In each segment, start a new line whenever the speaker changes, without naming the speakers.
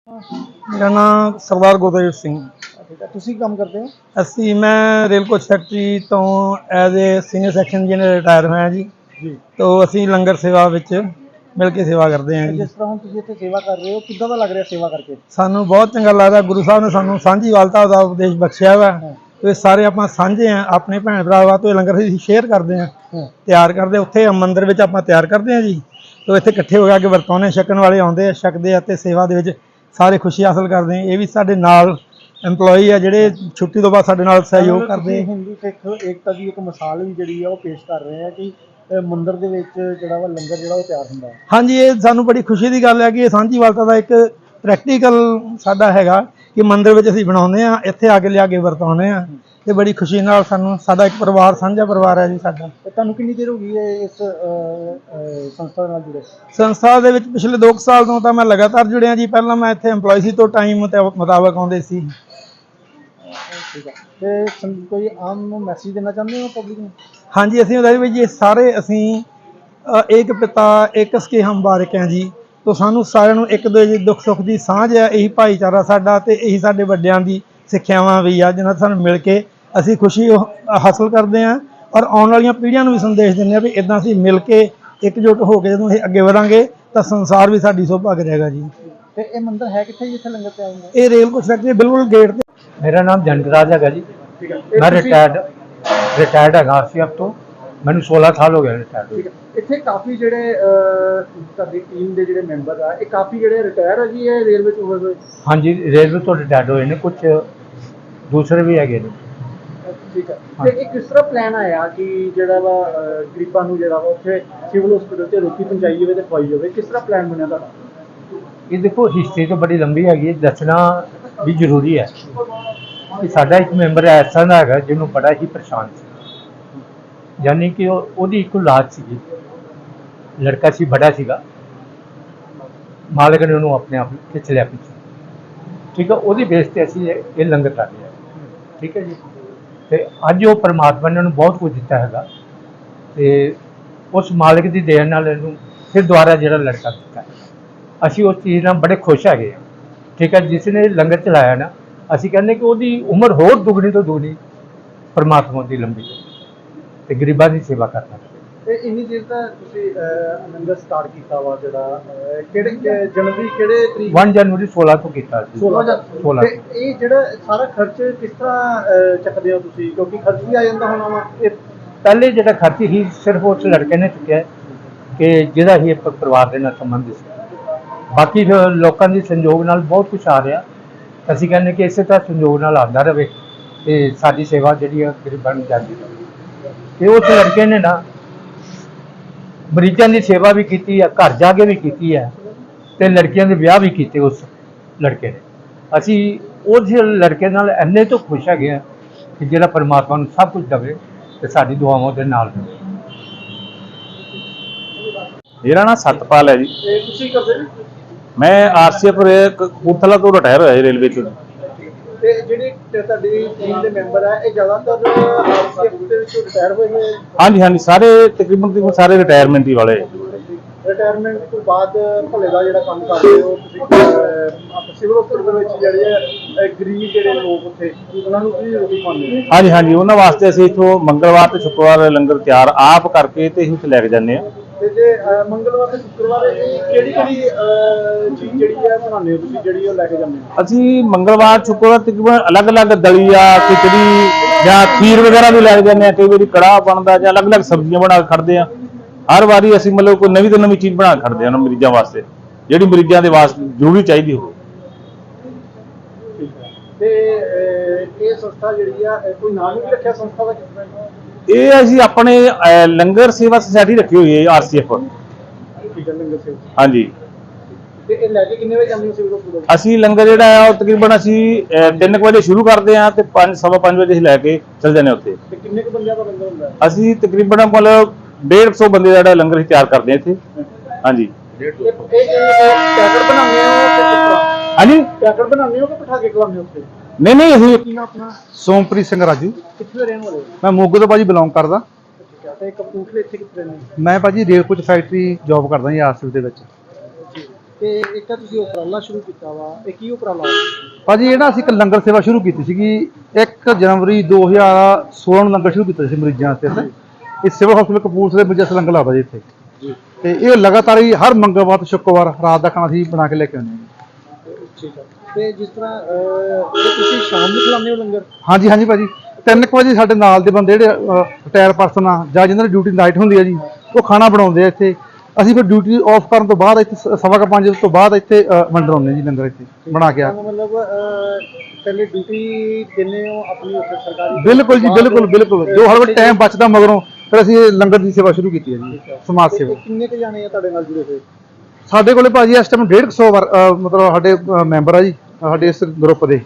मेरा नाम सरदार गुरदेव सिंह।
ठीक है, ਤੁਸੀਂ ਕੰਮ ਕਰਦੇ ਹੋ?
ਅਸੀਂ ਮੈਂ ਰੇਲ ਕੋਚ ਫੈਕਟਰੀ ਤੋਂ as a senior section engineer retire ਹੋਇਆ ਜੀ। ਤੋਂ ਅਸੀਂ ਲੰਗਰ ਸੇਵਾ ਵਿੱਚ ਮਿਲ ਕੇ ਸੇਵਾ ਕਰਦੇ ਹਾਂ ਜੀ।
ਜਿਸ ਤਰ੍ਹਾਂ ਹੁਣ ਤੁਸੀਂ ਇੱਥੇ ਸੇਵਾ ਕਰ ਰਹੇ ਹੋ, ਕਿੱਦਾਂ ਦਾ ਲੱਗ ਰਿਹਾ ਸੇਵਾ ਕਰਕੇ?
ਸਾਨੂੰ ਬਹੁਤ ਚੰਗਾ ਲੱਗਦਾ। ਗੁਰੂ ਸਾਹਿਬ ਨੇ ਸਾਨੂੰ ਸਾਂਝੀਵਾਲਤਾ ਦਾ ਉਪਦੇਸ਼ ਬਖਸ਼ਿਆ ਵਾ। ਇਹ ਸਾਰੇ ਆਪਾਂ ਸਾਂਝੇ ਆ, ਆਪਣੇ ਭੈਣ ਭਰਾ ਵਾ। ਤੋਂ ਲੰਗਰ ਅਸੀਂ ਸ਼ੇਅਰ ਕਰਦੇ ਹਾਂ, ਤਿਆਰ ਕਰਦੇ ਉੱਥੇ ਮੰਦਿਰ ਵਿੱਚ ਆਪਾਂ ਤਿਆਰ ਕਰਦੇ ਹਾਂ ਜੀ। ਤੋਂ ਇੱਥੇ ਇਕੱਠੇ ਹੋ ਕੇ ਵਰਤਾਉਂਦੇ, ਛਕਣ ਵਾਲੇ ਆਉਂਦੇ ਆ, ਛਕਦੇ ਆ ਅਤੇ ਸੇਵਾ ਦੇ ਵਿੱਚ ਸਾਰੇ ਖੁਸ਼ੀ ਹਾਸਲ ਕਰਦੇ ਆ। ਇਹ ਵੀ ਸਾਡੇ ਨਾਲ ਐਮਪਲੋਈ ਆ ਜਿਹੜੇ ਛੁੱਟੀ ਤੋਂ ਬਾਅਦ ਸਾਡੇ ਨਾਲ ਸਹਿਯੋਗ ਕਰਦੇ।
ਹਿੰਦੂ ਸਿੱਖ ਏਕਤਾ ਦੀ ਇੱਕ ਮਿਸਾਲ ਵੀ ਜਿਹੜੀ ਆ ਉਹ ਪੇਸ਼ ਕਰ ਰਹੇ ਆ ਕਿ ਮੰਦਿਰ ਦੇ ਵਿੱਚ ਜਿਹੜਾ ਵਾ ਲੰਗਰ ਜਿਹੜਾ ਉਹ ਤਿਆਰ ਹੁੰਦਾ।
ਹਾਂਜੀ, ਇਹ ਸਾਨੂੰ ਬੜੀ ਖੁਸ਼ੀ ਦੀ ਗੱਲ ਹੈ ਕਿ ਇਹ ਸਾਂਝੀਵਾਲਤਾ ਦਾ ਇੱਕ ਪ੍ਰੈਕਟੀਕਲ ਸਾਡਾ ਹੈਗਾ ਕਿ ਮੰਦਿਰ ਵਿੱਚ ਅਸੀਂ ਬਣਾਉਂਦੇ ਹਾਂ, ਇੱਥੇ ਆ ਕੇ ਲਿਆ ਕੇ ਵਰਤਾਉਂਦੇ ਹਾਂ ਤੇ ਬੜੀ ਖੁਸ਼ੀ ਨਾਲ ਸਾਨੂੰ ਸਾਡਾ ਇੱਕ ਪਰਿਵਾਰ ਸਾਂਝਾ ਪਰਿਵਾਰ ਹੈ ਜੀ ਸਾਡਾ।
ਤੁਹਾਨੂੰ ਕਿੰਨੀ ਦੇਰ ਹੋ ਗਈ ਹੈ ਇਸ ਸੰਸਥਾ ਨਾਲ ਜੁੜੇ?
ਸੰਸਥਾ ਦੇ ਵਿੱਚ ਪਿਛਲੇ 2 ਸਾਲ ਤੋਂ ਤਾਂ ਮੈਂ ਲਗਾਤਾਰ ਜੁੜਿਆ ਜੀ। ਪਹਿਲਾਂ ਮੈਂ ਇੱਥੇ EMPLOYE ਸੀ ਤੋਂ ਟਾਈਮ ਮੁਤਾਬਕ ਆਉਂਦੇ ਸੀ।
ਠੀਕ ਹੈ, ਤੇ ਕੋਈ ਆਮ ਮੈਸੇਜ ਦੇਣਾ ਚਾਹੁੰਦੇ ਹੋ ਪਬਲਿਕ ਨੂੰ?
ਹਾਂਜੀ, ਅਸੀਂ ਉਹਦਾ ਵੀ ਜੀ ਸਾਰੇ ਅਸੀਂ ਇੱਕ ਪਿਤਾ ਇੱਕ ਸਕੇ ਹਮ ਬਾਰਿਕ ਹੈ ਜੀ। ਤੋਂ ਸਾਨੂੰ ਸਾਰਿਆਂ ਨੂੰ ਇੱਕ ਦੂਜੇ ਦੀ ਦੁੱਖ ਸੁੱਖ ਦੀ ਸਾਂਝ ਹੈ। ਇਹੀ ਭਾਈਚਾਰਾ ਸਾਡਾ ਤੇ ਇਹੀ ਸਾਡੇ ਵੱਡਿਆਂ ਦੀ ਸਿੱਖਿਆਵਾਂ ਵੀ ਆ ਜਿਹਨਾਂ ਸਾਨੂੰ ਮਿਲ ਕੇ ਅਸੀਂ ਖੁਸ਼ੀ ਹਾਸਲ ਕਰਦੇ ਹਾਂ ਔਰ ਆਉਣ ਵਾਲੀਆਂ ਪੀੜ੍ਹੀਆਂ ਨੂੰ ਵੀ ਸੰਦੇਸ਼ ਦਿੰਦੇ ਹਾਂ ਵੀ ਇੱਦਾਂ ਅਸੀਂ ਮਿਲ ਕੇ ਇੱਕਜੁੱਟ ਹੋ ਕੇ ਜਦੋਂ ਅਸੀਂ ਅੱਗੇ ਵਧਾਂਗੇ ਤਾਂ ਸੰਸਾਰ ਵੀ ਸਾਡੀ ਸੋਭਾ ਕਰੇਗਾ ਜੀ।
ਤੇ ਇਹ ਮੰਦਿਰ ਹੈ ਕਿੱਥੇ ਜਿੱਥੇ ਲੰਗਰ ਤਿਆਰ ਹੁੰਦਾ?
ਇਹ ਰੇਲ ਕੋਚ ਫੈਕਟਰੀ ਬਿਲਕੁਲ ਗੇਟ ਤੇ।
मेरा नाम जनकराज है जी। मैं रिटायर्ड है RCF तो मैंने 16 साल हो गए रिटायर्ड।
ਠੀਕ ਹੈ, ਇੱਥੇ ਕਾਫੀ ਜਿਹੜੇ ਤੁਹਾਡੀ ਟੀਮ ਦੇ ਜਿਹੜੇ ਮੈਂਬਰ ਆ ਇਹ ਕਾਫੀ ਜਿਹੜੇ ਰਿਟਾਇਰ ਆ ਜੀ ਇਹ ਰੇਲਵੇ ਚ ਹੋਏ?
हाँ जी, रेलवे तो रिटायर्ड हुए ने, कुछ दूसरे भी है।
ਠੀਕ ਹੈ, ਤੇ ਇਹ ਕਿਸ ਤਰ੍ਹਾਂ ਪਲਾਨ ਆਇਆ ਕਿ ਜਿਹੜਾ ਵਾ ਗਰੀਬਾਂ ਨੂੰ ਜਿਹੜਾ ਵਾ ਉੱਥੇ ਸਿਵਲ ਹਸਪੀਟਲ ਤੇ ਰੋਟੀ ਪਹੁੰਚਾਈ ਜਾਵੇ ਤੇ ਖਵਾਈ ਜਾਵੇ? ਕਿਸ ਤਰ੍ਹਾਂ ਪਲਾਨ ਬਣਿਆ ਤੁਹਾਡਾ?
ये देखो हिस्ट्री तो बड़ी लंबी है, दसना भी जरूरी है कि साडा एक मैंबर ऐसा दा है जिन्हों बड़ा ही परेशान सी, यानी कि ओदी एक औलाद सी, लड़का सी, बड़ा सीगा, मालिक ने उन्होंने अपने आप खिंच लिया पीछे। ठीक है, ओदी बेस ते असीं ये लंगर कर रहे हैं। ठीक है जी, तो अज वो परमात्मा ने उन्होंने बहुत कुछ दिता है ते उस मालिक की देन नाल इहनूं फिर दोबारा जिहड़ा लड़का दिता है। ਅਸੀਂ ਉਸ ਚੀਜ਼ ਨਾਲ ਬੜੇ ਖੁਸ਼ ਹੈਗੇ ਹਾਂ। ਠੀਕ ਹੈ, ਜਿਸ ਨੇ ਲੰਗਰ ਚਲਾਇਆ ਨਾ, ਅਸੀਂ ਕਹਿੰਦੇ ਕਿ ਉਹਦੀ ਉਮਰ ਹੋਰ ਦੁੱਗਣੀ ਤੋਂ ਦੁੱਗਣੀ ਪਰਮਾਤਮਾ ਦੀ ਲੰਬੀ ਤੇ ਗਰੀਬਾਂ ਦੀ ਸੇਵਾ ਕਰਨਾ।
ਤੇ ਇੰਨੀ ਦੇਰ ਤਾਂ ਤੁਸੀਂ ਲੰਗਰ ਸਟਾਰਟ ਕੀਤਾ ਵਾ ਜਿਹੜਾ ਕਿਹੜੇ ਜਨਵਰੀ ਕਿਹੜੇ ਤਰੀਕ?
1 ਜਨਵਰੀ 16 ਤੋਂ ਕੀਤਾ ਸੀ।
16 ਤੇ ਇਹ ਜਿਹੜਾ ਸਾਰਾ ਖਰਚ ਕਿਸ ਤਰ੍ਹਾਂ ਚੱਕਦੇ ਹੋ ਤੁਸੀਂ? ਕਿਉਂਕਿ ਖਰਚ ਵੀ ਆ ਜਾਂਦਾ ਹੋਣਾ ਵਾ।
ਇਹ ਪਹਿਲੇ ਜਿਹੜਾ ਖਰਚ ਹੀ ਸਿਰਫ ਉਸ ਲੜਕੇ ਨੇ ਚੁੱਕਿਆ ਕਿ ਜਿਹਦਾ ਹੀ ਪਰਿਵਾਰ ਦੇ ਨਾਲ ਸੰਬੰਧ ਸੀ। ਬਾਕੀ ਲੋਕਾਂ ਦੀ ਸੰਯੋਗ ਨਾਲ ਬਹੁਤ ਕੁਛ ਆ ਰਿਹਾ। ਅਸੀਂ ਕਹਿੰਦੇ ਕਿ ਇਸੇ ਤਰ੍ਹਾਂ ਸੰਯੋਗ ਨਾਲ ਆਉਂਦਾ ਰਹੇ ਤੇ ਸਾਡੀ ਸੇਵਾ ਜਿਹੜੀ ਆ ਗਰੀਬਾਂ ਨੂੰ ਜਾਂਦੀ ਰਹੇ। ਤੇ ਉਸ ਲੜਕੇ ਨੇ ਨਾ ਮਰੀਜ਼ਾਂ ਦੀ ਸੇਵਾ ਵੀ ਕੀਤੀ ਆ, ਘਰ ਜਾ ਕੇ ਵੀ ਕੀਤੀ ਹੈ ਤੇ ਲੜਕੀਆਂ ਦੇ ਵਿਆਹ ਵੀ ਕੀਤੇ ਉਸ ਲੜਕੇ ਨੇ। ਅਸੀਂ ਉਸ ਲੜਕੇ ਨਾਲ ਇੰਨੇ ਤੋਂ ਖੁਸ਼ ਹੈਗੇ ਆ ਕਿ ਜਿਹੜਾ ਪਰਮਾਤਮਾ ਨੂੰ ਸਭ ਕੁਝ ਦੇਵੇ ਤੇ ਸਾਡੀ ਦੁਆਵਾਂ ਦੇ ਨਾਲ ਦੇਵੇ।
मेरा नाम सतपाल है जी।
ਤੁਸੀਂ ਕਰਦੇ ਜੀ?
मैं RCF कपूरथला तो रिटायर होया रेलवे चो।
ਤੇ ਜਿਹੜੇ ਤੁਹਾਡੀ ਟੀਮ ਦੇ ਮੈਂਬਰ ਆ ਇਹ ਜ਼ਿਆਦਾਤਰ RCF ਦੇ ਵਿੱਚੋਂ ਰਿਟਾਇਰ ਹੋਏ ਨੇ?
हाँ जी, हाँ जी, सारे तकरीबन सारे रिटायरमेंट ही वाले।
ਰਿਟਾਇਰਮੈਂਟ ਤੋਂ ਬਾਅਦ ਭਲੇ ਦਾ ਜਿਹੜਾ ਕੰਮ ਕਰਦੇ ਹੋ ਤੁਸੀਂ ਆਪਣੇ ਸਿਵਲ ਹਸਪਤਾਲ ਦੇ ਵਿੱਚ ਜਿਹੜੇ ਆ ਗਰੀਬ ਜਿਹੜੇ ਲੋਕ ਉੱਥੇ ਉਹਨਾਂ ਨੂੰ ਕੀ ਰੋਟੀ ਖਵਾਉਂਦੇ ਹੋ?
हाँ जी, हाँ जी, उन्होंने वास्ते असीं इत्थों मंगलवार ते शुक्रवार लंगर तैयार आप करके ते असीं उत्थे लैके जाने आ।
ਤੇ ਜੇ ਮੰਗਲਵਾਰ ਤੇ ਸ਼ੁੱਕਰਵਾਰ ਕਿਹੜੀ ਚੀਜ਼ ਜਿਹੜੀ ਆ ਬਣਾਉਂਦੇ ਹੋ ਤੁਸੀਂ ਜਿਹੜੀ ਉਹ ਲੈ ਕੇ ਜਾਂਦੇ ਹੋ?
असीं मंगलवार शुक्रवार तकरीबन अलग अलग दलिया खिचड़ी या खीर वगैरह भी लैके जाने। कई बारी कड़ाह बनदा जां अलग अलग सब्जियां बना के खड़दे आ। हर वारी असीं मतलब कोई नवीं तो नवीं चीज़ बना के खड़दे आ मरीजां वास्ते जिहड़ी मरीजां दे वास्ते जरूरी चाहिदी हो।
ਤੇ ਇਹ ਸੰਸਥਾ ਜਿਹੜੀ ਆ ਕੋਈ ਨਾਮ ਵੀ ਰੱਖਿਆ ਸੰਸਥਾ ਦਾ? ਕਿਸ ਤਰ੍ਹਾਂ?
ਇਹ ਅਸੀਂ ਆਪਣੇ ਲੰਗਰ ਸੇਵਾ ਸੁਸਾਇਟੀ ਰੱਖੀ ਹੋਈ ਹੈ RCF।
ਠੀਕ ਹੈ, ਲੰਗਰ ਸੇਵਾ।
ਹਾਂਜੀ,
ਤੇ ਇਹ ਲੈ ਕੇ ਕਿੰਨੇ ਵਜੇ ਜਾਂਦੇ ਹੋ ਸਿਵਲ ਹਸਪਤਾਲ?
ਅਸੀਂ ਲੰਗਰ ਜਿਹੜਾ ਆ ਉਹ ਤਕਰੀਬਨ ਅਸੀਂ 3 ਵਜੇ ਸ਼ੁਰੂ ਕਰਦੇ ਹਾਂ ਤੇ 5:15 ਵਜੇ ਅਸੀਂ ਲੈ ਕੇ ਚੱਲ ਜਾਂਦੇ ਉੱਥੇ।
ਤੇ ਕਿੰਨੇ ਕੁ ਬੰਦਿਆਂ ਦਾ ਲੰਗਰ ਹੁੰਦਾ?
ਅਸੀਂ ਤਕਰੀਬਨ ਮਤਲਬ 150 ਬੰਦੇ ਦਾ ਜਿਹੜਾ ਲੰਗਰ ਅਸੀਂ ਤਿਆਰ ਕਰਦੇ ਹਾਂ ਇੱਥੇ। ਹਾਂਜੀ,
ਇਹ ਪੈਕਟ ਬਣਾਉਂਦੇ ਹੋ ਕਿ ਕਿਸ ਤਰ੍ਹਾਂ?
ਹਾਂਜੀ,
ਪੈਕਟ ਬਣਾਉਂਦੇ ਹੋ ਕਿ ਬਿਠਾ ਕੇ ਖਿਲਾਉਂਦੇ ਹੋ ਉੱਥੇ?
ਨਹੀਂ ਨਹੀਂ, ਅਸੀਂ
ਕੀ ਨਾਮ ਆਪਣਾ?
ਸੋਮਪ੍ਰੀਤ ਸਿੰਘ ਰਾਜੂ।
ਕਿੱਥੇ ਦੇ ਰਹਿਣ ਵਾਲੇ ਹੋ?
ਮੈਂ ਮੋਗੇ ਤੋਂ ਭਾਜੀ ਬਿਲੋਂਗ ਕਰਦਾ।
ਠੀਕ ਹੈ, ਤੇ ਕਪੂਰਥਲੇ ਇੱਥੇ ਕਿੱਥੇ ਰਹਿੰਦੇ?
ਮੈਂ ਭਾਜੀ ਰੇਲ ਕੋਚ ਫੈਕਟਰੀ ਜੌਬ ਕਰਦਾ ਜੀ RCF ਦੇ ਵਿੱਚ।
ਤੇ ਇੱਕ ਤਾਂ ਤੁਸੀਂ ਉਪਰਾਲਾ ਸ਼ੁਰੂ ਕੀਤਾ ਵਾ, ਇਹ ਕੀ ਉਪਰਾਲਾ?
ਭਾਜੀ ਇਹ ਨਾ ਅਸੀਂ ਇੱਕ ਲੰਗਰ ਸੇਵਾ ਸ਼ੁਰੂ ਕੀਤੀ ਸੀਗੀ 1 ਜਨਵਰੀ 2016 ਨੂੰ ਲੰਗਰ ਸ਼ੁਰੂ ਕੀਤਾ ਸੀ ਮਰੀਜ਼ਾਂ ਵਾਸਤੇ ਇੱਥੇ। ਇਹ ਸਿਵਲ ਹਸਪਤਾਲ ਕਪੂਰਥਲੇ ਵਿੱਚ ਅਸੀਂ ਲੰਗਰ ਲਾਉਂਦਾ ਜੀ ਇੱਥੇ ਤੇ ਇਹ ਲਗਾਤਾਰ ਹੀ ਹਰ ਮੰਗਲਵਾਰ ਤੇ ਸ਼ੁੱਕਰਵਾਰ ਰਾਤ ਦਾ ਖਾਣਾ ਅਸੀਂ ਬਣਾ ਕੇ ਲੈ ਕੇ ਆਉਂਦੇ ਹਾਂ।
ਠੀਕ ਹੈ। ਤੇ ਜਿਸ ਤਰ੍ਹਾਂ ਇਹ ਤੁਸੀਂ ਸ਼ਾਮ ਨੂੰ ਖਿਲਾਉਂਦੇ ਹੋ ਲੰਗਰ?
ਹਾਂਜੀ ਹਾਂਜੀ ਭਾਜੀ 3 ਵਜੇ ਸਾਡੇ ਨਾਲ ਦੇ ਬੰਦੇ ਜਿਹੜੇ ਰਿਟਾਇਰ ਪਰਸਨ ਆ ਜਾਂ ਜਿਹਨਾਂ ਦੀ ਡਿਊਟੀ ਨਾਈਟ ਹੁੰਦੀ ਆ ਜੀ, ਉਹ ਖਾਣਾ ਬਣਾਉਂਦੇ ਆ ਇੱਥੇ। ਅਸੀਂ ਫਿਰ ਡਿਊਟੀ ਆਫ ਕਰਨ ਤੋਂ ਬਾਅਦ ਇੱਥੇ 5:15 ਤੋਂ ਬਾਅਦ ਇੱਥੇ ਵੰਡਾਉਂਦੇ ਜੀ ਲੰਗਰ ਇੱਥੇ ਬਣਾ ਕੇ ਆ।
ਮਤਲਬ ਪਹਿਲੇ ਡਿਊਟੀ ਦਿੰਦੇ ਹੋ ਆਪਣੀ ਉੱਥੇ ਸਰਕਾਰੀ?
ਬਿਲਕੁਲ ਜੀ, ਬਿਲਕੁਲ ਬਿਲਕੁਲ। ਜੋ ਹਰ ਵਾਰ ਟਾਈਮ ਬਚਦਾ ਮਗਰੋਂ ਫਿਰ ਅਸੀਂ ਇਹ ਲੰਗਰ ਦੀ ਸੇਵਾ ਸ਼ੁਰੂ ਕੀਤੀ ਹੈ ਜੀ, ਸਮਾਜ ਸੇਵਾ।
ਕਿੰਨੇ ਕੁ ਜਾਣੇ ਆ ਤੁਹਾਡੇ ਨਾਲ ਜੁੜੇ ਹੋਏ?
ਸਾਡੇ ਕੋਲੇ ਭਾਜੀ ਇਸ ਟਾਈਮ 150 ਮਤਲਬ ਸਾਡੇ ਮੈਂਬਰ ਆ ਜੀ ਸਾਡੇ ਇਸ ਗਰੁੱਪ ਦੇ।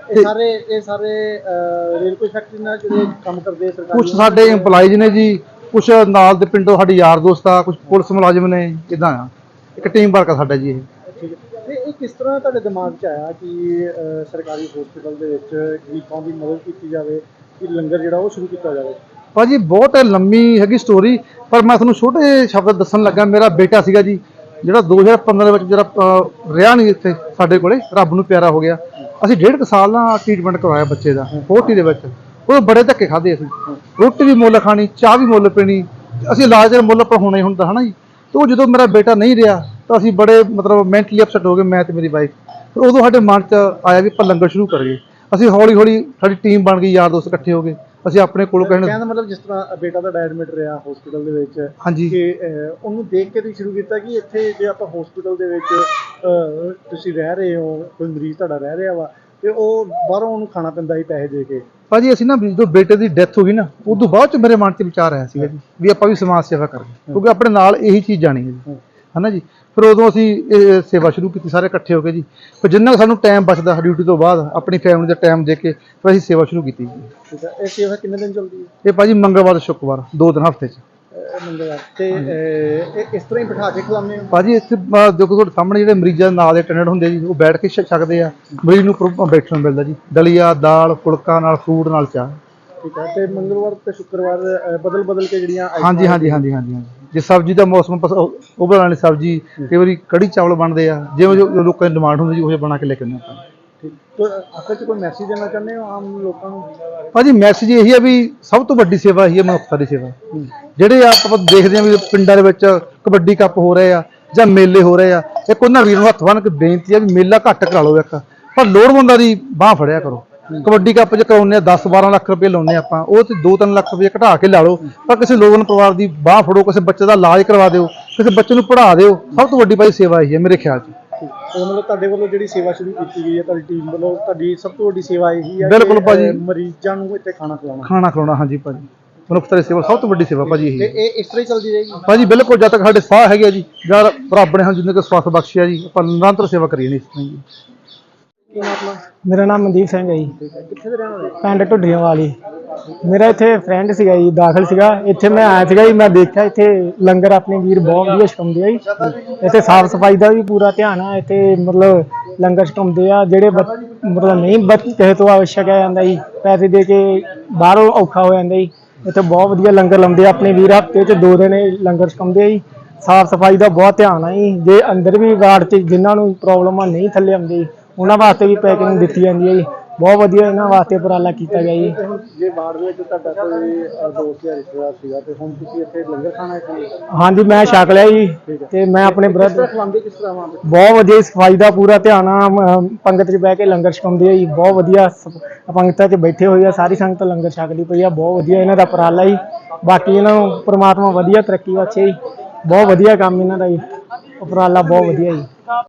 ਇਹ ਸਾਰੇ ਰੇਲਵੇ ਫੈਕਟਰੀ ਨਾਲ ਜਿਹੜੇ ਕੰਮ ਕਰਦੇ ਸਰਕਾਰੀ?
ਕੁਝ ਸਾਡੇ EMPLOYEES ਨੇ ਜੀ, ਕੁਝ ਨਾਲ ਦੇ ਪਿੰਡੋਂ ਸਾਡੇ ਯਾਰ ਦੋਸਤ ਆ, ਕੁਝ ਪੁਲਿਸ ਮੁਲਾਜ਼ਮ ਨੇ, ਇਦਾਂ ਆ। ਇੱਕ ਟੀਮ ਵਰਕ ਆ ਸਾਡਾ ਜੀ ਇਹ।
ਠੀਕ ਹੈ। ਤੇ ਇਹ ਕਿਸ ਤਰ੍ਹਾਂ ਤੁਹਾਡੇ ਦਿਮਾਗ 'ਚ ਆਇਆ ਕਿ ਸਰਕਾਰੀ ਹਸਪਤਾਲ ਦੇ ਵਿੱਚ ਗਰੀਬਾਂ ਦੀ ਮਦਦ ਕੀਤੀ ਜਾਵੇ, ਕਿ ਲੰਗਰ ਜਿਹੜਾ ਉਹ ਸ਼ੁਰੂ ਕੀਤਾ ਜਾਵੇ?
ਭਾਜੀ ਬਹੁਤ ਲੰਮੀ ਹੈਗੀ ਸਟੋਰੀ, ਪਰ ਮੈਂ ਤੁਹਾਨੂੰ ਛੋਟੇ ਸ਼ਬਦ ਦੱਸਣ ਲੱਗਾ। ਮੇਰਾ ਬੇਟਾ ਸੀਗਾ ਜੀ ਜਿਹੜਾ 2015 ਵਿੱਚ ਜਿਹੜਾ ਰਿਹਾ ਨਹੀਂ ਇੱਥੇ ਸਾਡੇ ਕੋਲੇ, ਰੱਬ ਨੂੰ ਪਿਆਰਾ ਹੋ ਗਿਆ। ਅਸੀਂ 1.5 ਸਾਲ ਨਾਲ ਟ੍ਰੀਟਮੈਂਟ ਕਰਵਾਇਆ ਬੱਚੇ ਦਾ 40 ਦੇ ਵਿੱਚ। ਉਹ ਬੜੇ ਧੱਕੇ ਖਾਦੇ ਅਸੀਂ, ਰੋਟੀ ਵੀ ਮੁੱਲ ਖਾਣੀ, ਚਾਹ ਵੀ ਮੁੱਲ ਪੀਣੀ, ਅਸੀਂ ਇਲਾਜ ਦਾ ਮੁੱਲ ਪਰ ਹੋਣਾ ਹੀ ਹੁੰਦਾ ਹੈ ਨਾ ਜੀ। ਤੇ ਉਹ ਜਦੋਂ ਮੇਰਾ ਬੇਟਾ ਨਹੀਂ ਰਿਹਾ ਤਾਂ ਅਸੀਂ ਬੜੇ ਮਤਲਬ ਮੈਂਟਲੀ ਅਪਸੈਟ ਹੋ ਗਏ, ਮੈਂ ਤੇ ਮੇਰੀ ਵਾਈਫ। ਫਿਰ ਉਦੋਂ ਸਾਡੇ ਮਨ 'ਚ ਆਇਆ ਵੀ ਆਪਾਂ ਲੰਗਰ ਸ਼ੁਰੂ ਕਰੀਏ। ਅਸੀਂ ਹੌਲੀ ਹੌਲੀ ਸਾਡੀ ਟੀਮ ਬਣ ਗਈ, ਯਾਰ ਦੋਸਤ ਇਕੱਠੇ ਹੋ ਗਏ। ਅਸੀਂ ਆਪਣੇ ਕੋਲੋਂ
ਕਹਿਣ ਦਾ ਮਤਲਬ ਜਿਸ ਤਰ੍ਹਾਂ ਬੇਟਾ ਦਾ ਐਡਮਿਟ ਰਿਹਾ ਹਸਪੀਟਲ ਦੇ ਵਿੱਚ,
ਹਾਂਜੀ,
ਕਿ ਉਹਨੂੰ ਦੇਖ ਕੇ ਤੁਸੀਂ ਸ਼ੁਰੂ ਕੀਤਾ ਕਿ ਇੱਥੇ ਜੇ ਆਪਾਂ ਹਸਪੀਟਲ ਦੇ ਵਿੱਚ ਤੁਸੀਂ ਰਹਿ ਰਹੇ ਹੋ, ਕੋਈ ਮਰੀਜ਼ ਤੁਹਾਡਾ ਰਹਿ ਰਿਹਾ ਵਾ, ਤੇ ਉਹ ਬਾਹਰੋਂ ਉਹਨੂੰ ਖਾਣਾ ਪੈਂਦਾ ਸੀ ਪੈਸੇ ਦੇ ਕੇ।
ਭਾਜੀ ਅਸੀਂ ਨਾ ਜਦੋਂ ਬੇਟੇ ਦੀ ਡੈਥ ਹੋ ਗਈ ਨਾ, ਉਦੋਂ ਬਾਅਦ 'ਚ ਮੇਰੇ ਮਨ 'ਚ ਵਿਚਾਰ ਆਇਆ ਸੀਗਾ ਜੀ ਵੀ ਆਪਾਂ ਵੀ ਸਮਾਜ ਸੇਵਾ ਕਰੀਏ, ਕਿਉਂਕਿ ਆਪਣੇ ਨਾਲ ਇਹੀ ਚੀਜ਼ ਜਾਣੀ ਹੈ ਜੀ, ਹੈ ਨਾ ਜੀ। ਫਿਰ ਉਦੋਂ ਅਸੀਂ ਇਹ ਸੇਵਾ ਸ਼ੁਰੂ ਕੀਤੀ ਸਾਰੇ ਇਕੱਠੇ ਹੋ ਕੇ ਜੀ। ਫਿਰ ਜਿੰਨਾ ਕੁ ਸਾਨੂੰ ਟਾਈਮ ਬਚਦਾ ਡਿਊਟੀ ਤੋਂ ਬਾਅਦ ਆਪਣੀ ਫੈਮਿਲੀ ਦਾ ਟਾਈਮ ਦੇ ਕੇ ਫਿਰ ਅਸੀਂ ਸੇਵਾ ਸ਼ੁਰੂ ਕੀਤੀ ਜੀ।
ਠੀਕ ਹੈ। ਇਹ ਸੇਵਾ ਕਿੰਨੇ ਦਿਨ ਚੱਲਦੀ ਹੈ?
ਇਹ ਭਾਜੀ ਮੰਗਲਵਾਰ ਤੇ ਸ਼ੁੱਕਰਵਾਰ 2 ਦਿਨ ਹਫ਼ਤੇ 'ਚ।
ਮੰਗਲਵਾਰ ਤੇ ਇਹ ਇਸ ਤਰ੍ਹਾਂ ਹੀ ਬਿਠਾ ਕੇ ਖਿਲਾਉਂਦੇ ਹੋ?
ਭਾਜੀ ਇੱਥੇ ਦੇਖੋ ਤੁਹਾਡੇ ਸਾਹਮਣੇ ਜਿਹੜੇ ਮਰੀਜ਼ਾਂ ਦੇ ਨਾਲ ਦੇ ਅਟੈਂਡੈਂਟ ਹੁੰਦੇ ਜੀ, ਉਹ ਬੈਠ ਕੇ ਛਕਦੇ ਆ। ਮਰੀਜ਼ ਨੂੰ ਬੈਠਣ ਨੂੰ ਮਿਲਦਾ ਜੀ, ਦਲੀਆ, ਦਾਲ, ਫੁਲਕਾ ਨਾਲ ਫਰੂਟ ਨਾਲ ਚਾਹ।
ਠੀਕ ਹੈ। ਤੇ ਮੰਗਲਵਾਰ ਤੇ ਸ਼ੁੱਕਰਵਾਰ ਬਦਲ ਕੇ ਜਿਹੜੀਆਂ
ਹਾਂਜੀ ਹਾਂਜੀ ਹਾਂਜੀ ਹਾਂਜੀ ਹਾਂਜੀ। ਜੇ ਸਬਜ਼ੀ ਦਾ ਮੌਸਮ ਉਹ ਬਣਾਉਣ ਵਾਲੀ ਸਬਜ਼ੀ, ਕਈ ਵਾਰੀ ਕੜੀ ਚਾਵਲ ਬਣਦੇ ਆ, ਜਿਵੇਂ ਜੋ ਲੋਕਾਂ ਦੀ ਡਿਮਾਂਡ ਹੁੰਦੀ ਜੀ ਉਹ ਬਣਾ ਕੇ ਲੈ ਕੇ ਆਉਂਦੇ ਆਪਾਂ।
ਠੀਕ। ਤੇ ਆਖਰ 'ਚ ਕੋਈ ਮੈਸੇਜ ਦੇਣਾ ਚਾਹੁੰਦੇ ਹੋ ਆਮ ਲੋਕਾਂ ਨੂੰ?
ਭਾਜੀ ਮੈਸੇਜ ਇਹੀ ਆ ਵੀ ਸਭ ਤੋਂ ਵੱਡੀ ਸੇਵਾ ਇਹੀ ਹੈ ਮਨੁੱਖਤਾ ਦੀ ਸੇਵਾ। ਜਿਹੜੇ ਆਪਾਂ ਦੇਖਦੇ ਹਾਂ ਵੀ ਪਿੰਡਾਂ ਦੇ ਵਿੱਚ ਕਬੱਡੀ ਕੱਪ ਹੋ ਰਹੇ ਆ ਜਾਂ ਮੇਲੇ ਹੋ ਰਹੇ ਆ, ਇੱਕ ਉਹਨਾਂ ਵੀਰ ਨੂੰ ਹੱਥ ਬੰਨ੍ਹ ਕੇ ਬੇਨਤੀ ਆ ਵੀ ਮੇਲਾ ਘੱਟ ਕਰਾ ਲਓ ਇੱਕ, ਪਰ ਲੋੜਵੰਦਾਂ ਦੀ ਬਾਂਹ ਫੜਿਆ ਕਰੋ। ਕਬੱਡੀ ਕੱਪ 'ਚ ਕਰਾਉਂਦੇ ਆ 10-12 ਲੱਖ ਰੁਪਏ ਲਾਉਂਦੇ ਆਪਾਂ, ਉਹ ਤੇ 2-3 ਲੱਖ ਰੁਪਏ ਘਟਾ ਕੇ ਲਾ ਲਓ, ਪਰ ਕਿਸੇ ਲੋੜਵੰਦ ਪਰਿਵਾਰ ਦੀ ਬਾਂਹ ਫੜੋ, ਕਿਸੇ ਬੱਚੇ ਦਾ ਇਲਾਜ ਕਰਵਾ ਦਿਓ, ਕਿਸੇ ਬੱਚੇ ਨੂੰ ਪੜ੍ਹਾ ਦਿਓ। ਸਭ ਤੋਂ ਵੱਡੀ ਭਾਈ ਸੇਵਾ ਇਹੀ ਹੈ ਮੇਰੇ ਖਿਆਲ 'ਚ।
ਉਹ ਮਤਲਬ ਤੁਹਾਡੇ ਵੱਲੋਂ ਜਿਹੜੀ ਸੇਵਾ ਸ਼ੁਰੂ ਕੀਤੀ ਗਈ ਹੈ, ਤੁਹਾਡੀ ਟੀਮ ਵੱਲੋਂ, ਤੁਹਾਡੀ ਸਭ ਤੋਂ ਵੱਡੀ ਸੇਵਾ ਇਹੀ ਹੈ?
ਬਿਲਕੁਲ ਭਾਜੀ,
ਮਰੀਜ਼ਾਂ ਨੂੰ ਇੱਥੇ ਖਾਣਾ
ਖਿਲਾਉਣਾ। ਹਾਂਜੀ ਭਾਜੀ, ਮਨੁੱਖਤਾ ਦੀ ਸੇਵਾ ਸਭ ਤੋਂ ਵੱਡੀ ਸੇਵਾ ਭਾਜੀ ਇਹੀ ਹੈ।
ਇਹ ਇਸ ਤਰ੍ਹਾਂ ਹੀ ਚੱਲਦੀ ਰਹੇਗੀ
ਭਾਜੀ? ਬਿਲਕੁਲ, ਜਦ ਤੱਕ ਸਾਡੇ ਸਾਹ ਹੈਗੇ ਜੀ, ਜਾਂ ਰੱਬ ਨੇ ਜਿੰਨੇ ਕੁ ਸਵਾਸ ਬਖਸ਼ਿਆ ਜੀ, ਆਪਾਂ ਨਿਰੰਤਰ ਸੇਵਾ ਕਰੀਏ ਨਹੀਂ ਇਸ ਤਰ੍ਹਾਂ ਜੀ।
ਮੇਰਾ ਨਾਮ ਮਨਦੀਪ ਸਿੰਘ ਹੈ ਜੀ,
ਕਿੱਥੇ ਦੇ ਰਹਿਣ ਵਾਲੇ?
ਪਿੰਡ ਢੁੱਡੀਆਂ ਵਾਲੀ। ਮੇਰਾ ਇੱਥੇ ਫਰੈਂਡ ਸੀਗਾ ਜੀ, ਦਾਖਲ ਸੀਗਾ ਇੱਥੇ। ਮੈਂ ਆਇਆ ਸੀਗਾ ਜੀ, ਮੈਂ ਦੇਖਿਆ ਇੱਥੇ ਲੰਗਰ ਆਪਣੇ ਵੀਰ ਬਹੁਤ ਵਧੀਆ ਛਕਾਉਂਦੇ ਆ ਜੀ। ਇੱਥੇ ਸਾਫ਼ ਸਫਾਈ ਦਾ ਵੀ ਪੂਰਾ ਧਿਆਨ ਆ। ਇੱਥੇ ਮਤਲਬ ਲੰਗਰ ਛਕਾਉਂਦੇ ਆ ਜਿਹੜੇ ਮਤਲਬ ਨਹੀਂ ਕਿਸੇ ਤੋਂ ਆਵਸ਼ਕ ਆ ਜਾਂਦਾ ਜੀ, ਪੈਸੇ ਦੇ ਕੇ ਬਾਹਰੋਂ ਔਖਾ ਹੋ ਜਾਂਦਾ ਜੀ। ਇੱਥੇ ਬਹੁਤ ਵਧੀਆ ਲੰਗਰ ਲਾਉਂਦੇ ਆ ਆਪਣੇ ਵੀਰ, ਹਫ਼ਤੇ 'ਚ 2 ਦਿਨ ਲੰਗਰ ਛਕਾਉਂਦੇ ਆ ਜੀ। ਸਾਫ਼ ਸਫਾਈ ਦਾ ਬਹੁਤ ਧਿਆਨ ਆ ਜੀ। ਜੇ ਅੰਦਰ ਵੀ ਵਾਰਡ 'ਚ ਜਿਨ੍ਹਾਂ ਨੂੰ ਪ੍ਰੋਬਲਮ ਆ ਨਹੀਂ ਥੱਲੇ ਆਉਂਦੇ ਜੀ, ਉਹਨਾਂ ਵਾਸਤੇ ਵੀ ਪੈਕਿੰਗ ਦਿੱਤੀ ਜਾਂਦੀ ਹੈ ਜੀ। ਬਹੁਤ ਵਧੀਆ ਇਹਨਾਂ ਵਾਸਤੇ ਉਪਰਾਲਾ ਕੀਤਾ ਗਿਆ ਜੀ।
ਜੇ ਵਾਰਡ ਵਿੱਚ ਤੁਹਾਡਾ ਕੋਈ ਦੋਸਤ ਜਾਂ ਰਿਸ਼ਤੇਦਾਰ ਸੀਗਾ ਤੇ ਹੁਣ ਤੁਸੀਂ ਇੱਥੇ ਲੰਗਰ ਖਾਣਾ ਹੈ?
ਹਾਂਜੀ, ਮੈਂ ਛਕ ਲਿਆ ਜੀ। ਤੇ ਮੈਂ ਆਪਣੇ ਬ੍ਰਦਰ
ਖਿਲਾਉਂਦੇ ਕਿਸ ਤਰ੍ਹਾਂ ਵਾ?
ਬਹੁਤ ਵਧੀਆ ਸਫਾਈ ਦਾ ਪੂਰਾ ਧਿਆਨ ਆ। ਪੰਗਤ 'ਚ ਬਹਿ ਕੇ ਲੰਗਰ ਛਕਾਉਂਦੇ ਆ ਜੀ, ਬਹੁਤ ਵਧੀਆ ਪੰਗਤਾਂ 'ਚ ਬੈਠੇ ਹੋਏ ਆ, ਸਾਰੀ ਸੰਗਤ ਲੰਗਰ ਛਕਦੀ ਪਈ ਆ। ਬਹੁਤ ਵਧੀਆ ਇਹਨਾਂ ਦਾ ਉਪਰਾਲਾ ਜੀ। ਬਾਕੀ ਇਹਨਾਂ ਨੂੰ ਪ੍ਰਮਾਤਮਾ ਵਧੀਆ ਤਰੱਕੀ ਬਖਸ਼ੇ ਜੀ। ਬਹੁਤ ਵਧੀਆ ਕੰਮ ਇਹਨਾਂ ਦਾ ਜੀ, ਉਪਰਾਲਾ ਬਹੁਤ ਵਧੀਆ ਜੀ।